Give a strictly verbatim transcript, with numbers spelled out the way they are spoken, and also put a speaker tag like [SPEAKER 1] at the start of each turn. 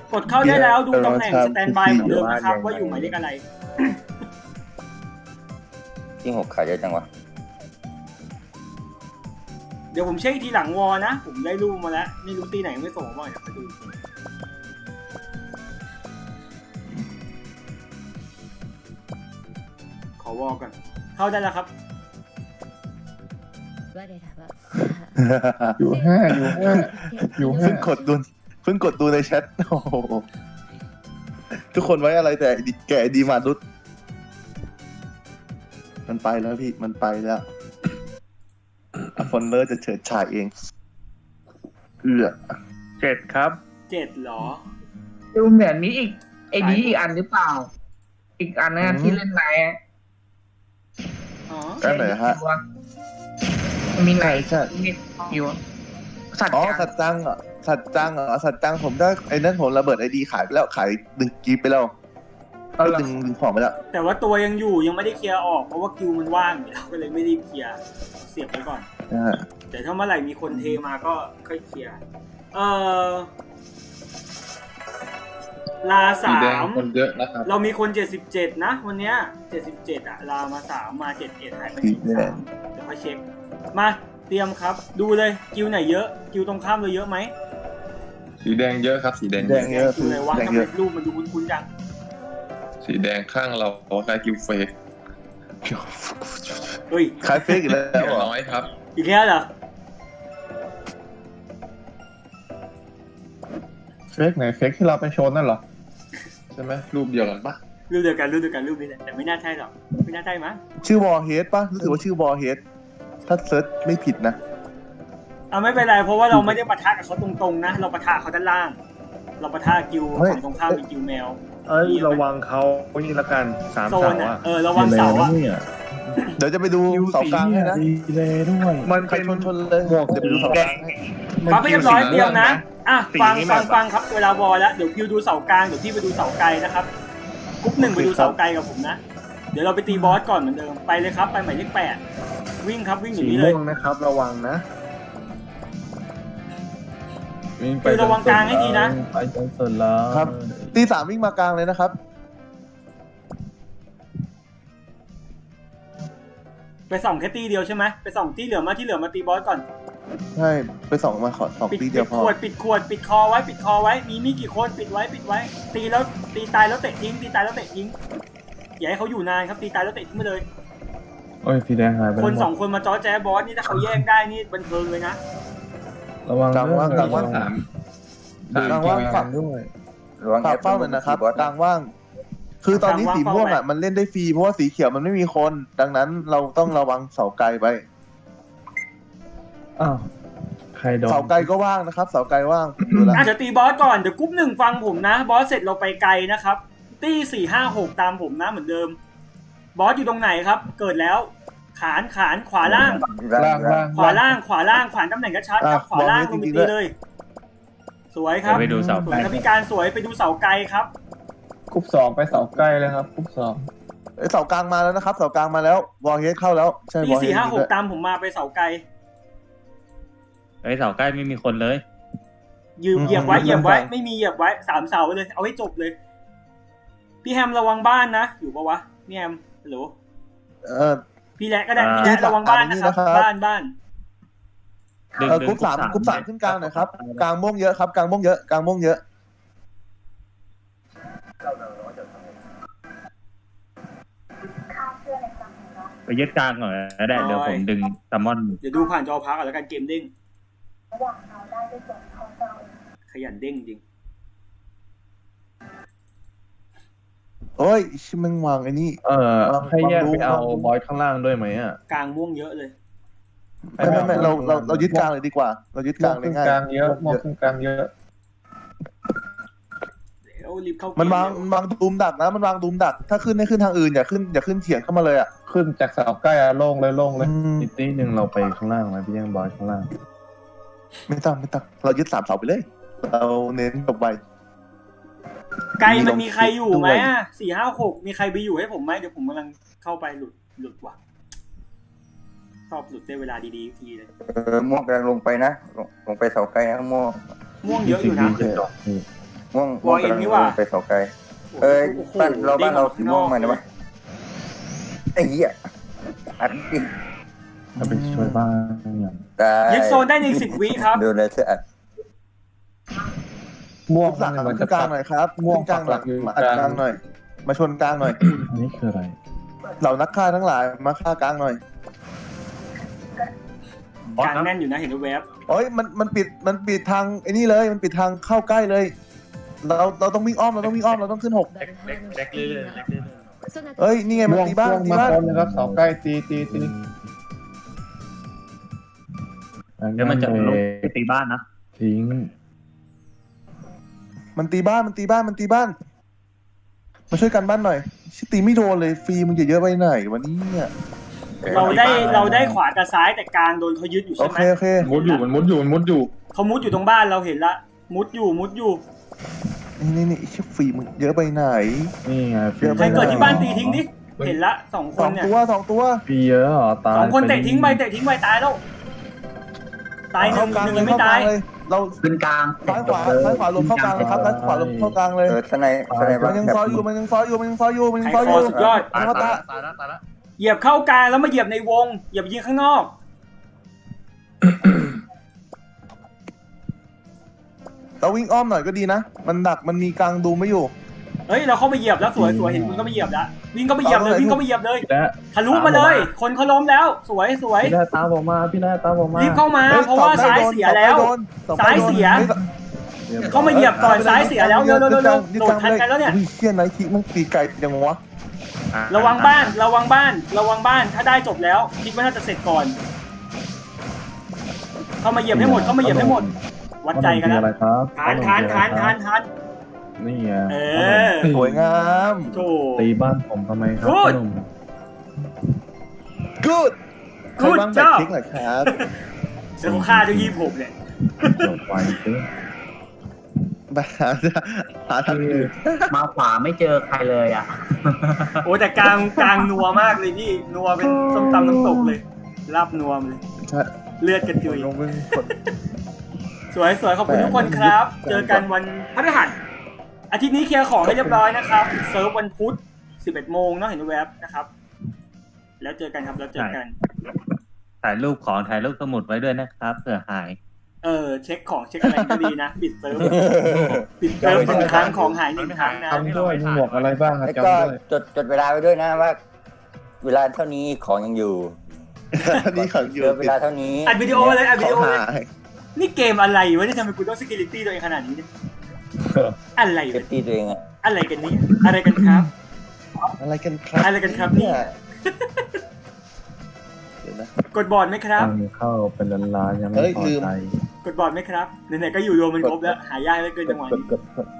[SPEAKER 1] กดเข้าได้แล้วดูตำแหน่งสแตนบายเหมือนเดิมนะครับว่าอยู่หมายเลขอะไร
[SPEAKER 2] ที่หกขายเยอะจังวะ
[SPEAKER 1] เดี๋ยวผมเช็คทีหลังวอนะผมได้รูปมาแล้วไม่รู้ตีไหนไม่ส่งมาเดี๋ยวไปดูขอวอก่อนเข้าได้แล้วครับ
[SPEAKER 3] อยู่ห้าอยู่ห้าอยู่ห้า
[SPEAKER 4] เพิ่งกดดูเพิ่งกดดูในแชทโอ้โหทุกคนไว้อะไรแต่แกดีมารุดมันไปแล้วพี่มันไปแล้วฟอนเลอร์จะเฉิดฉายเองเอือ
[SPEAKER 3] เจ็ดครับ
[SPEAKER 1] เจ็ดหรอ
[SPEAKER 5] ดูเหมือนมีอีกไอ้นี้อีกอันหรือเปล่า อีกอันนะที่เล่นไหน
[SPEAKER 1] อ๋อ
[SPEAKER 4] ได้ไหนฮะ
[SPEAKER 5] มีไหน
[SPEAKER 4] ใช่
[SPEAKER 5] มีอยู่สัตว์
[SPEAKER 4] อ๋อ
[SPEAKER 5] จัง
[SPEAKER 4] สัตว์จังเหรอสัตว์จังเหรอสัตว์จังผมได้ไอ้นั่นผมระเบิดไอดีขายไปแล้วขายดึงกีบไปแล้ว
[SPEAKER 5] เอาละ
[SPEAKER 4] ดึงดึงของไปแล้ว
[SPEAKER 1] แต่ว่าตัวยังอยู่ยังไม่ได้เคลียร์ออกเพราะว่าคิวมันว่างอยู่แล้วก็เลยไม่ได้เคลียร์เสียบไว้ก่อน
[SPEAKER 4] นะฮะ
[SPEAKER 1] แต่ถ้าเมื่อไหร่มีคนเทมาก็ค่อยเคลียร์เออลา
[SPEAKER 3] สี
[SPEAKER 1] สา
[SPEAKER 3] แดง
[SPEAKER 1] ม
[SPEAKER 3] คนเยอะนะครับ
[SPEAKER 1] เรามีคนเจ็ดสิบเจ็ดนะวันเนี้ยเจ็ดสิบเจ็ดอะลามาสามมาเจ็ดเอ็ดหายไปหนึ่งสามเดี๋ยวค่อยเช็คมาเตรียมครับดูเลยคิวไหนเยอะคิวตรงข้ามเราเยอะไหม
[SPEAKER 3] สีแดงเยอะครับ สีแดง
[SPEAKER 4] แดงเยอะ
[SPEAKER 1] คิวไหนวะ
[SPEAKER 4] แดง
[SPEAKER 1] ทำ
[SPEAKER 4] เย
[SPEAKER 1] ไม
[SPEAKER 4] อะ
[SPEAKER 1] รูปมันดูคุ้นๆจัง
[SPEAKER 3] สีแดงข้างเราได้กิวเฟก
[SPEAKER 1] เฮ้ย
[SPEAKER 4] ขายเฟกอีกแล้ว
[SPEAKER 3] เรียบ
[SPEAKER 4] เหรอ
[SPEAKER 3] ร้อยครับ
[SPEAKER 1] อีกแล้วเหรอ
[SPEAKER 3] เฟกไหนเฟกที่เราไปโชว์นั่นเหรอใช่ไหมรูปเดียวกันปะ
[SPEAKER 1] รูปเดียวกันรูปเดียวกันรูปนี้แหละแต่ไม่น่าใช่หรอกไม่น่าใช่มั้ง
[SPEAKER 4] ชื่อวอลเฮดป่ะรู้สึกว่าชื่อวอลเฮดถ้าเซิร์ชไม่ผิดนะ
[SPEAKER 1] เอาไม่เป็นไรเพราะว่าเราไม่ได้ปะทะกับเขาตรงๆนะเราปะทะเขาด้านล่าง เราปะทะกิว
[SPEAKER 4] เฮ้ย
[SPEAKER 1] ฝั่งตรงข้ามเป็นกิวแมว
[SPEAKER 6] เอ้ยระวังเขานี่ละกันสาม
[SPEAKER 1] โซ
[SPEAKER 6] เสาน
[SPEAKER 1] อ่ะ
[SPEAKER 6] อะ
[SPEAKER 1] เออระวังเสาอ่ะ
[SPEAKER 4] เดี๋ยวจะไปดูเสากลางให้นะ
[SPEAKER 6] ดีเลยด้วยมัน
[SPEAKER 4] ใคร
[SPEAKER 6] เป็น
[SPEAKER 4] ชนชนเลย
[SPEAKER 6] หมวก
[SPEAKER 4] เดี๋ยวไปดูเสากลางให้
[SPEAKER 1] ปั๊บไปเรียบร้อยเตรียมนะอ่ะ
[SPEAKER 6] สี
[SPEAKER 1] ฟัง
[SPEAKER 6] นี้
[SPEAKER 1] ฟัง
[SPEAKER 6] แบบ
[SPEAKER 1] ฟังครับเวลาวอลแล้วเดี๋ยวคิวดูเสากลางเดี๋ยวพี่ไปดูเสาไกลนะครับกรุ๊ปหนึ่งไปดูเสาไกลกับผมนะเดี๋ยวเราไปตีบอสก่อนเหมือนเดิมไปเลยครับไปหมายเลขแปดวิ่งครับวิ่งอ
[SPEAKER 6] สี
[SPEAKER 1] ย่างนี้เลย
[SPEAKER 6] ม่วงนะครับ ระวังนะ
[SPEAKER 1] คือระวังกลางให้ดีนะ
[SPEAKER 3] ไปจนสุดแล้ว
[SPEAKER 4] ครับ ตีสามวิ่งมากลางเลยนะครับ
[SPEAKER 1] ไปส่องแค่ตีเดียวใช่ไหมไปส่องตีเหลือมาที่เหลือมาตีบอสก่อน
[SPEAKER 4] ใช่ไปสองมาขอสอง
[SPEAKER 1] ปิด
[SPEAKER 4] ตี
[SPEAKER 1] ปิ
[SPEAKER 4] เดียว
[SPEAKER 1] ด
[SPEAKER 4] พ
[SPEAKER 1] ข
[SPEAKER 4] อ
[SPEAKER 1] วดปิดขวดปิดคอไว้ปิดคอไว้มีมีกี่คนปิดไว้ปิดไว้ ตีแล้วตีตายแล้วเตะทิ้งตีตายแล้วเตะทิ้งอย่าให้เขาอยู่นานครับตีตายแล้วเตะทิ้งไปเลย
[SPEAKER 3] โอ้ยสีแดงหายไป
[SPEAKER 1] คนสองคนมาจ้อแจ๊บอสนี่ถ้าเขาแยกได้นี่บันเทิงเลยนะ
[SPEAKER 3] ระวัง
[SPEAKER 4] กลางว่างกลางว่าง
[SPEAKER 3] สาม
[SPEAKER 4] กลางว่างฝั่ง
[SPEAKER 3] ด้วย
[SPEAKER 2] ระวัง
[SPEAKER 4] ฝาก
[SPEAKER 2] แอป
[SPEAKER 4] เฝ้าหน่อยนะครับกลางว่าง คือตอนนี้สีม่วงอ่ะมันเล่นได้ฟรีเพราะว่าสีเขียวมันไม่มีคน ดังนั้นเราต้องระวังเสาไกลไป
[SPEAKER 3] อ้าวใครโดน
[SPEAKER 4] เสาไกลก็ว่างนะครับ เสาไกลว่างดูแลว
[SPEAKER 1] อาจจะตีบอสก่อนเดี๋ยวกรุ๊ปหนึ่งฟังผมนะบอสเสร็จเราไปไกลนะครับตีสี่ห้าหกตามผมนะเหมือนเดิม บอสอยู่ตรงไหนครับ เกิดแล้ว ขานขานขวาล่าง
[SPEAKER 3] ล่างล่าง
[SPEAKER 1] ขวาล่างขวาล่างขวานตำแหน่งกระชัดครับขวาล่างลงไปตีเลย สวยครับ
[SPEAKER 7] ไปดูเสา
[SPEAKER 1] สวยครับพี่การสวยไปดูเสาไกลครับ
[SPEAKER 3] กรุ๊ปสองไปเสาใกล้เลยครับกรุ๊ปสอง
[SPEAKER 4] เอ้ยเสากลางมาแล้วนะครับ เสากลางมาแล้ววอลเฮดเข้าแล้วใช่
[SPEAKER 1] ตี
[SPEAKER 4] วอลเฮ
[SPEAKER 1] สี่
[SPEAKER 4] ด
[SPEAKER 1] ห้าหกตามผมมาไปเสาไกล
[SPEAKER 7] ไอ้เสาใกล้ไม่มีคนเลย
[SPEAKER 1] ยืมเหยียบไว้เหยียบไว้ไม่มีเหยียบไว้สามเสาเลยเอาให้จบเลย พี่แฮมระวังบ้านนะอยู่ปะวะพี่แฮมฮัลโหล
[SPEAKER 4] เออ
[SPEAKER 1] พี่แหละก็ได้
[SPEAKER 7] อ่า
[SPEAKER 1] พี่แหละระวังบ้านนะครับ
[SPEAKER 4] นี่นะครับ
[SPEAKER 1] บ้านบ้าน
[SPEAKER 7] ดึง
[SPEAKER 4] เออ
[SPEAKER 7] ดึง
[SPEAKER 4] กรุ๊ปสามกรุ๊ปสามขึ้นกลางหน่อยครับกลางม่วงเยอะครับกลางม่วงเยอะกลางม่วงเยอะ
[SPEAKER 7] ไปยึดกลางหน่อยก็ได้เดี๋ยวผมดึงซัมมอน
[SPEAKER 1] เดี๋ยวดูผ่านจอพักก่อนแล้วกันเกมเด้งขยันเด้งจริง
[SPEAKER 4] โอ้ยชิมังวางไอ้นี่
[SPEAKER 3] เออให้แยกไปเอาบอยข้างล่างด้วยไหมอ่ะ
[SPEAKER 1] กลางม่วงเยอะเลย
[SPEAKER 4] ไม่ไม่ไม่เราเราเรายึดกลางเลยดีกว่า เรายึดกลางเลยง่าย
[SPEAKER 3] กลางเยอะมองขึ้นกลางเยอะ
[SPEAKER 1] เดี๋ยวรีบเข้าเก
[SPEAKER 4] มันวาง
[SPEAKER 1] เร็
[SPEAKER 4] มันวางดุมดักนะ มันวางดุมดัก ถ้าขึ้นให้ขึ้นทางอื่นอย่าขึ้นอย่าขึ้นเฉียงเข้ามาเลยอ่ะ
[SPEAKER 3] ขึ้นจากเสาใกล้อะโล่งเลยโล่งเลย
[SPEAKER 4] อืม
[SPEAKER 3] อีกทีหนึ่งเราไปข้างล่างไหมพี่ยังบอยข้างล่าง
[SPEAKER 4] ไม่ต้องไม่ต้องเรายึดสามเสาไปเลย เราเน้นจบไว
[SPEAKER 1] ไกลมันมีใครอยู่ไหม
[SPEAKER 4] ด้วย
[SPEAKER 1] อ่ะสี่ห้าหกมีใครไปอยู่ให้ผมไหมเดี๋ยวผมกำลังเข้าไปหลุดหลุดว่ะชอบหลุดได้เวลาดีๆทีเลย
[SPEAKER 2] เออม่วงกำลังลงไปนะลงลงไปเสาไกลนะม่วง
[SPEAKER 1] ม่วงเยอะอยู่นะ
[SPEAKER 3] โอเค
[SPEAKER 2] ม่วง
[SPEAKER 1] วอลเอ็นนี่หว่า
[SPEAKER 2] ไปเสาไกลเอ้ย
[SPEAKER 1] โอ้โห
[SPEAKER 2] บ้านเราบ้านเราสีม่วงมา
[SPEAKER 1] เด้
[SPEAKER 2] เนี่ยวะไอ้เหี้ยอัดดิ
[SPEAKER 7] ถ้าไปช่วยบ้านอย่าง
[SPEAKER 2] ตาย
[SPEAKER 1] ยึดโซนได้ในสิบวิครับ
[SPEAKER 2] โดนเลยเธออัด
[SPEAKER 3] ม่วง
[SPEAKER 4] หลัก
[SPEAKER 3] มัน
[SPEAKER 4] ขึ้
[SPEAKER 3] จะ
[SPEAKER 4] นกลางหน่อยครับ
[SPEAKER 3] ม่วง
[SPEAKER 4] ขึ้นกลางหน่อย
[SPEAKER 3] ปักหลักอยู่
[SPEAKER 4] มาอัด
[SPEAKER 3] กลาง
[SPEAKER 4] กลางหน่อย มาชนกลางหน่อย
[SPEAKER 7] อันนี้คืออะไร
[SPEAKER 4] เหล่านักฆ่าทั้งหลายมาฆ่ากลางหน่อย
[SPEAKER 1] กลางแน่นอยู่นะเห็นแวบ
[SPEAKER 4] โอ้ยมันมันปิดมันปิดทางไอ้นี่เลยมันปิดทางเข้าใกล้เลย เราเราต้องวิ่งอ้อมเราต้องวิ่งอ้อมเราต้องขึ้นหก
[SPEAKER 6] เล็กเล็กเล็กเรื่อยๆเล็กเรื่อย
[SPEAKER 4] เอ้ยนี่ไงมัน
[SPEAKER 3] ม่วง
[SPEAKER 4] ตีบ้าน
[SPEAKER 3] ม่วง
[SPEAKER 4] ตี
[SPEAKER 3] มา
[SPEAKER 4] บ้าน
[SPEAKER 3] พร้อมนะครับเสาใกล้ตีตีตี
[SPEAKER 7] เดี๋ยวมันจะลงไปตีบ้านนะ
[SPEAKER 3] ทิ้ง
[SPEAKER 4] มันตีบ้านมันตีบ้านมันตีบ้าน มาช่วยกันบ้านหน่อยชิตีไม่โดนเลยฟรีมึงจะเยอะไปไหนวันนี้เนี่ย
[SPEAKER 1] ๆเราได้เราได้ขวากับซ้ายแต่กลางโดนเขายึดอยู่
[SPEAKER 4] โอ
[SPEAKER 1] ใช่ไหม
[SPEAKER 4] เคโอเค
[SPEAKER 3] มุดอยู่มันมุดอยู่มันมุดอยู่
[SPEAKER 1] เขามุดอยู่ตรงบ้านเราเห็นละมุดอยู่มุดอยู่
[SPEAKER 4] นี่นี่นี่ชิฟรีมึงเยอะไปไหน
[SPEAKER 7] นี่ไงฟรี
[SPEAKER 4] เดี๋ยว
[SPEAKER 1] ใครเกิดที่บ้านตีทิ้งดิเห็นละสองค
[SPEAKER 4] สอน ง
[SPEAKER 1] เนี่ย
[SPEAKER 4] ตัวสองตัว
[SPEAKER 7] ฟรีเยอะเหรอตาย
[SPEAKER 1] สองคนเตะทิ้งไปเตะทิ้งไปตายแล้วตายหนึ่
[SPEAKER 4] เข้าง กลาง
[SPEAKER 1] หนึ่ง
[SPEAKER 4] เลย
[SPEAKER 1] ยังไม่
[SPEAKER 4] เข้ากลา
[SPEAKER 1] ตาง ย
[SPEAKER 4] เลย เรา
[SPEAKER 5] ขึ้นกลาง
[SPEAKER 4] ซ้ายขวาซ้ายขวาลมเข้ากลางเลยครับซ้ายขวาลมเข้ากลางเลย
[SPEAKER 2] เออทนายทนาย
[SPEAKER 4] มั
[SPEAKER 2] บ้าน
[SPEAKER 4] นยัง
[SPEAKER 2] แบบ
[SPEAKER 4] ซอยอยู่มันยังซอยอยู่มันยังซอยอยู่มันยัง
[SPEAKER 1] ใคร
[SPEAKER 4] ซอย
[SPEAKER 1] ค
[SPEAKER 4] อ
[SPEAKER 1] อยู่ สุดยอด
[SPEAKER 6] ๆตาย
[SPEAKER 4] มา
[SPEAKER 6] ตา
[SPEAKER 4] ตา
[SPEAKER 6] ยตายแล้วตายแล้ว
[SPEAKER 1] เหยียบเข้ากลางแล้วมาเหยียบในวงอย่าไปยิงข้างนอก
[SPEAKER 4] เราวิ่งอ้อมหน่อยก็ดีนะ มันดักมันมีกลางดูไม่อยู่
[SPEAKER 1] เฮ้ยเราเข้าไปเหยียบแล้วสวยสวยเห็นคุณก็ไปเหยียบแล้ววิ่งก็ไปเหยียบเลยวิ่งก็ไปเหยียบเลย
[SPEAKER 7] และ
[SPEAKER 1] ทะลุมาเลย คนเขาล้มแล้ว สวยสวย
[SPEAKER 7] พี่ได้ตามผมมาพี่ได้ตามผมมา
[SPEAKER 1] รีบเข้ามา
[SPEAKER 4] ฮ้ย
[SPEAKER 1] เพราะว่า
[SPEAKER 4] ตอบได้
[SPEAKER 1] ซ้าย
[SPEAKER 4] โดน
[SPEAKER 1] เสียแล้ว
[SPEAKER 4] ตอบได้โดนตอบได้
[SPEAKER 1] ซ้าย
[SPEAKER 4] โดน
[SPEAKER 1] เสีย
[SPEAKER 4] ฮ้
[SPEAKER 1] เข้ามาเหยียบก่อนซ้ายเสียแล้วเร็วเร็วเร็วเร็ว
[SPEAKER 4] ยึด
[SPEAKER 1] โด
[SPEAKER 4] ก
[SPEAKER 1] ด
[SPEAKER 4] ลาง
[SPEAKER 1] ทันกันแล้วเนี่ย
[SPEAKER 4] อุ้เชี่ยไนท์คิกมันตีไกลยังวะ
[SPEAKER 1] ระวังบ้านระวังบ้านระวังบ้านถ้าได้จบแล้ว คิดว่าน่าจะเสร็จก่อน เข้ามาเหยียบให้หมดเข้ามาเหยียบให้หมด วัดใจกันแล้ว
[SPEAKER 7] อะไรครับ
[SPEAKER 1] ทานทานทานทานทาน
[SPEAKER 7] นี่ไง
[SPEAKER 1] เออ
[SPEAKER 4] สวยงาม
[SPEAKER 1] โถ
[SPEAKER 7] ตีบ้านผมทำไมครับ
[SPEAKER 1] Good
[SPEAKER 7] พ่อหนุ่ม
[SPEAKER 4] กูดใคร
[SPEAKER 1] Good
[SPEAKER 4] บ้างแบก
[SPEAKER 1] job
[SPEAKER 4] คิกหน่อยครับ
[SPEAKER 1] เดี๋ยวเขาฆ่าด้วยยี่ผมเนี่ย
[SPEAKER 7] จบไวซื้อ
[SPEAKER 4] ไปหาหาทางอื่น
[SPEAKER 5] มาขวาไม่เจอใครเลยอ่ะ
[SPEAKER 1] โอ้แต่กลางกลางนัวมากเลยพี่นัวเป็นส้มตำน้ำตกเลยลาบนัวมาเลย เลือดกระจุย
[SPEAKER 4] ลงมึงกด
[SPEAKER 1] สวยสวยขอบคุณทุกคนครับ เจอกันวันพฤหัสอาทิตย์นี้เคลียร์ของให้เรียบร้อยนะครับเซิร์ฟวันพุธสิบเอ็ดโมงเนาะเห็นแวบนะครับ แล้วเจอกันครับแล้วเจอกัน
[SPEAKER 7] ถ่ายรูปของถ่ายรูปสมุดไว้ด้วยนะครับเผื่อหาย
[SPEAKER 1] เออเช็คของเช็คอะไรก็ดีนะปิดเซิร์ฟปิดเซิร์ฟหนึ่งครั้งของหายหนึ่งครั้งนะ
[SPEAKER 3] ทำด้วยมีหมวกอะไรบ้างอะ
[SPEAKER 2] แล้ว
[SPEAKER 3] จำ
[SPEAKER 2] ก็
[SPEAKER 3] ด้วย
[SPEAKER 2] จดจดเวลาไว้ด้วยนะว่า เวลาเท่านี้ของยังอยู่
[SPEAKER 4] นี่ขังอยู่
[SPEAKER 2] เหลือเวลาเท่านี้
[SPEAKER 1] อัดวิดีโอเลยอัดวิดีโอ
[SPEAKER 4] เขา
[SPEAKER 1] เลย
[SPEAKER 4] หาย
[SPEAKER 1] นี่เกมอะไรวะที่ทำให้กูต้อง security ตัวเองขนาดนี้เนี่ยอะไร
[SPEAKER 2] เซฟ
[SPEAKER 1] วะ
[SPEAKER 2] ตี้ตัวเองอะ
[SPEAKER 1] อะไรกันเนี่ยอะไรกันครับ
[SPEAKER 4] อะไรกันครับ
[SPEAKER 1] อะไรกันครับเนี่ย
[SPEAKER 4] เดี๋ยวนะ
[SPEAKER 1] กดบอร์ดไหมครับ
[SPEAKER 7] ตังค์เข้าเป็นล้านๆยัง
[SPEAKER 4] เฮ้
[SPEAKER 7] ไม่
[SPEAKER 4] ย
[SPEAKER 7] พอ
[SPEAKER 4] ลืม
[SPEAKER 7] ใจ
[SPEAKER 1] กดบอร์ดไหมครับไหนๆก็อยู่รวมมันครบแล้วหายากเหลือเกินจังหวะ
[SPEAKER 4] กด
[SPEAKER 1] นี้
[SPEAKER 4] กดกด